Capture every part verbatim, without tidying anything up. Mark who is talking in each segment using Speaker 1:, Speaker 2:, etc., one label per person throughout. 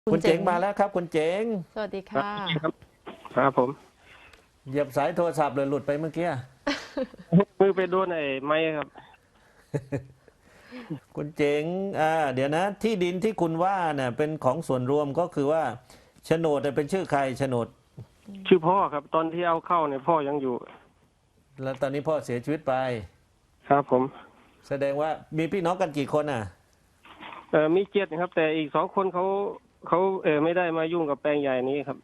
Speaker 1: คุณเจ๋งมาแล้วครับคุณเจ๋ง
Speaker 2: สวัสดีค่ะ
Speaker 3: ครับครับผม
Speaker 1: เหยียบสายโทรศัพท์เลยหลุดไปเมื่อกี้
Speaker 3: มือไปโดนไอ้ไม้ครับ
Speaker 1: คุณเจ๋งอ่าเดี๋ยวนะที่ดินที่คุณว่าเนี่ยเป็นของส่วนรวมก็คือว่าโฉนดเนี่ยเป็นชื่อใครโฉนด
Speaker 3: ชื่อพ่อครับ ตอนที่เอาเข้าเนี่ยพ่อยังอยู่
Speaker 1: แล้วตอนนี้พ่อเสียชีวิตไป
Speaker 3: ครับผม
Speaker 1: แสดงว่ามีพี่น้องกันกี่คนอ่ะ
Speaker 3: เออมีเจ็ดครับ แต่อีกสองคนเขาเขาเออไม่ได้มายุ่งกับแปลงใหญ่นี้ครับ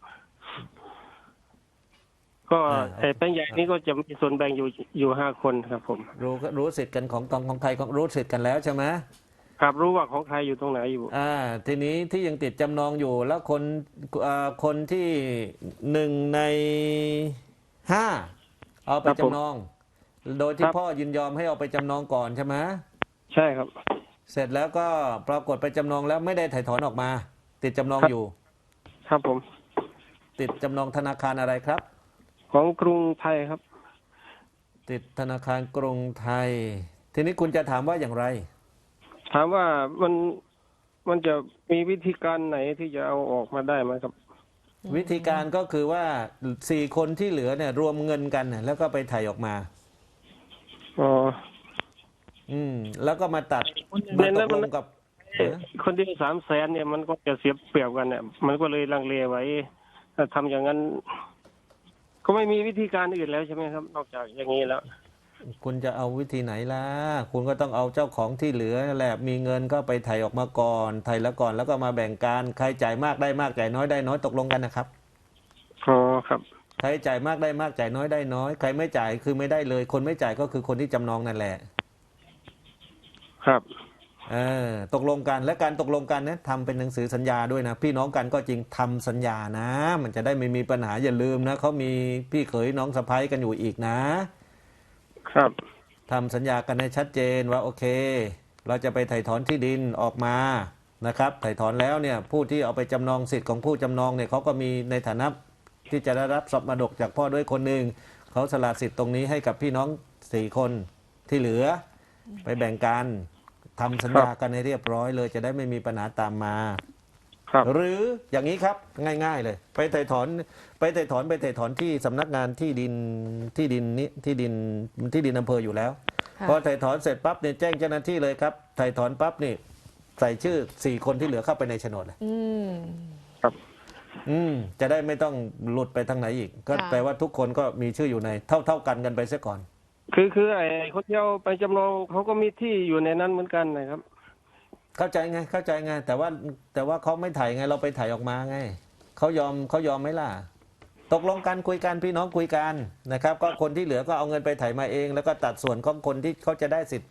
Speaker 3: ก็ไอ้แปลงใหญ่นี้ก็จะมีส่วนแบ่งอยู่อยู่ห้าคนครับ ผม
Speaker 1: รู้รู้สิทธิ์กันของตองของใครของรู้สิทธิ์กันแล้วใช่ไหม
Speaker 3: ครับรู้ว่าของใครอยู่ตรงไหนอยู่
Speaker 1: อ่าทีนี้ที่ยังติดจำนองอยู่แล้วคนอ่าคนที่หนึ่งในห้าเอาไปจำนองโดยที่พ่อยินยอมให้เอาไปจำนองก่อนใช่ไหม
Speaker 3: ใช่ครับ
Speaker 1: เสร็จแล้วก็ปรากฏไปจำนองแล้วไม่ได้ถ่ายถอนออกมา ติดจำนองอยู่
Speaker 3: ครับผม
Speaker 1: ติดจำนองธนาคารอะไรครับ
Speaker 3: ของกรุงไทยครับ
Speaker 1: ติดธนาคารกรุงไทย ทีนี้คุณจะถามว่าอย่างไร
Speaker 3: ถามว่ามันมันจะมีวิธีการไหนที่จะเอาออกมาได้ไหมครับ
Speaker 1: วิธีการก็คือว่าสี่คนที่เหลือเนี่ยรวมเงินกันแล้วก็ไปถ่ายออกมา
Speaker 3: อ๋อ
Speaker 1: อืมแล้วก็มาตัดมาตกลงกับ
Speaker 3: คนที่สามแสนเนี่ยมันก็จะเสียเปรียบกันเนี่ยมันก็เลยลังเลไว้ถ้าทำอย่างนั้นก็ไม่มีวิธีการอื่นแล้วใช่ไหมครับนอกจากอย่างนี้แล้ว
Speaker 1: คุณจะเอาวิธีไหนล่ะคุณก็ต้องเอาเจ้าของที่เหลือแหละมีเงินก็ไปไถ่ออกมาก่อนไถ่แล้วก่อนแล้วก็มาแบ่งกันใครจ่ายมากได้มากจ่ายน้อยได้น้อยตกลงกันนะครับ
Speaker 3: อ๋อครับ
Speaker 1: ใครจ่ายมากได้มากจ่ายน้อยได้น้อยใครไม่จ่ายคือไม่ได้เลยคนไม่จ่ายก็คือคนที่จำนองนั่นแหละ
Speaker 3: ครับ
Speaker 1: เออตกลงกันและการตกลงกันเนี่ยทำเป็นหนังสือสัญญาด้วยนะพี่น้องกันก็จริงทำสัญญานะมันจะได้ไม่มีปัญหาอย่าลืมนะเขามีพี่เขยน้องสะใภ้กันอยู่อีกนะครับทำสัญญากันให้ชัดเจนว่าโอเคเราจะไปไถ่ถอนที่ดินออกมานะครับไถ่ถอนแล้วเนี่ยผู้ที่เอาไปจำนองสิทธิ์ของผู้จำนองเนี่ยเขาก็มีในฐานะที่จะได้รับทรัพย์มรดกจากพ่อด้วยคนหนึ่งเขาสละสิทธิ์ตรงนี้ให้กับพี่น้องสี่คนที่เหลือไปแบ่งกันทำสัญญากันให้เรียบร้อยเลยจะได้ไม่มีปัญหาตามมาหรืออย่างนี้ครับง่ายๆเลยไปไถ่ถอนไปไถ่ถอนไปไถ่ถอนที่สำนักงานที่ดินที่ดินนี้ที่ดินที่ดินอำเภออยู่แล้วพอไถ่ถอนเสร็จปั๊บเนี่ยแจ้งเจ้าหน้าที่เลยครับไถ่ถอนปั๊บนี่ใส่ชื่อสี่คนที่เหลือเข้าไปในโฉนดเลย
Speaker 2: อืม
Speaker 3: ครับ
Speaker 1: อืมจะได้ไม่ต้องหลุดไปทางไหนอีกก็แปลว่าทุกคนก็มีชื่ออยู่ในเท่าเท่ากันกันไปเสียก่อน
Speaker 3: คือคือไอ้คนที่เอาไปจำนองเขาก็มีที่อยู่ในนั้นเหมือนกันนะครับ
Speaker 1: เข้าใจไงเข้าใจไงแต่ว่าแต่ว่าเขาไม่ถ่ายไงเราไปถ่ายออกมาไงเขายอมเขายอมไหมล่ะตกลงกันคุยกันพี่น้องคุยกันนะครับก็คนที่เหลือก็เอาเงินไปถ่ายมาเองแล้วก็ตัดส่วนของคนที่เขาจะได้สิทธิ์ไป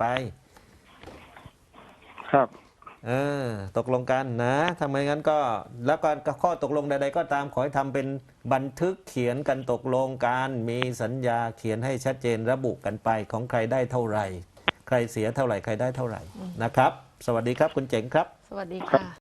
Speaker 3: ครับ
Speaker 1: เออตกลงกันนะทำไมงั้นก็แล้วก็ข้อตกลงใดๆก็ตามขอให้ทำเป็นบันทึกเขียนกันตกลงกันมีสัญญาเขียนให้ชัดเจนระบุกันไปของใครได้เท่าไหร่ใครเสียเท่าไหร่ใครได้เท่าไหร่นะครับสวัสดีครับคุณเจ๋งครับ
Speaker 2: สวัสดีค่ะ